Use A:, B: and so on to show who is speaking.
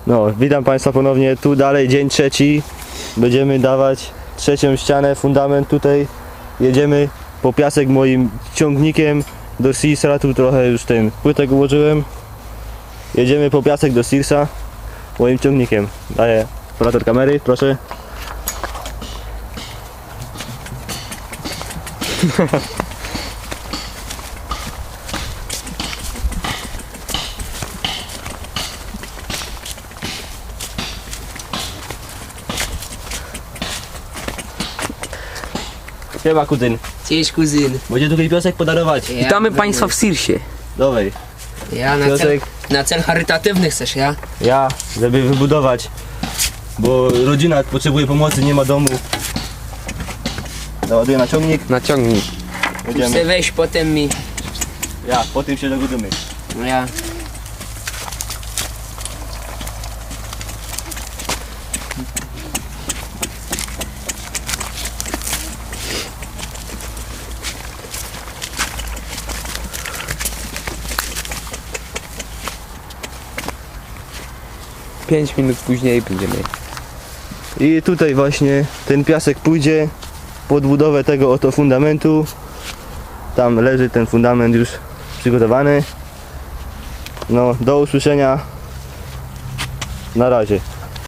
A: No, witam Państwa ponownie, tu dalej dzień trzeci. Będziemy dawać trzecią ścianę, fundament tutaj. Jedziemy po piasek moim ciągnikiem do Searsa, tu trochę już ten płytek ułożyłem. Jedziemy po piasek do Searsa moim ciągnikiem. Daję operator kamery, proszę. Siema kuzyn.
B: Cześć kuzyn.
A: Będzie tutaj piasek podarować.
B: Ja
C: Witamy Państwa w Searsie.
A: Dawaj.
B: Ja
A: Piasek.
B: na cel charytatywny chcesz, ja?
A: Ja, żeby wybudować, bo rodzina potrzebuje pomocy, nie ma domu. Załaduję na ciągnik,
C: Naciągnij.
B: Chcę
A: jedziemy.
B: wejść potem mi.
A: Ja, po tym się dogodzimy.
B: No ja.
C: Pięć minut później będziemy.
A: I tutaj właśnie ten piasek pójdzie pod budowę tego oto fundamentu. Tam leży ten fundament już przygotowany. No, do usłyszenia. Na razie.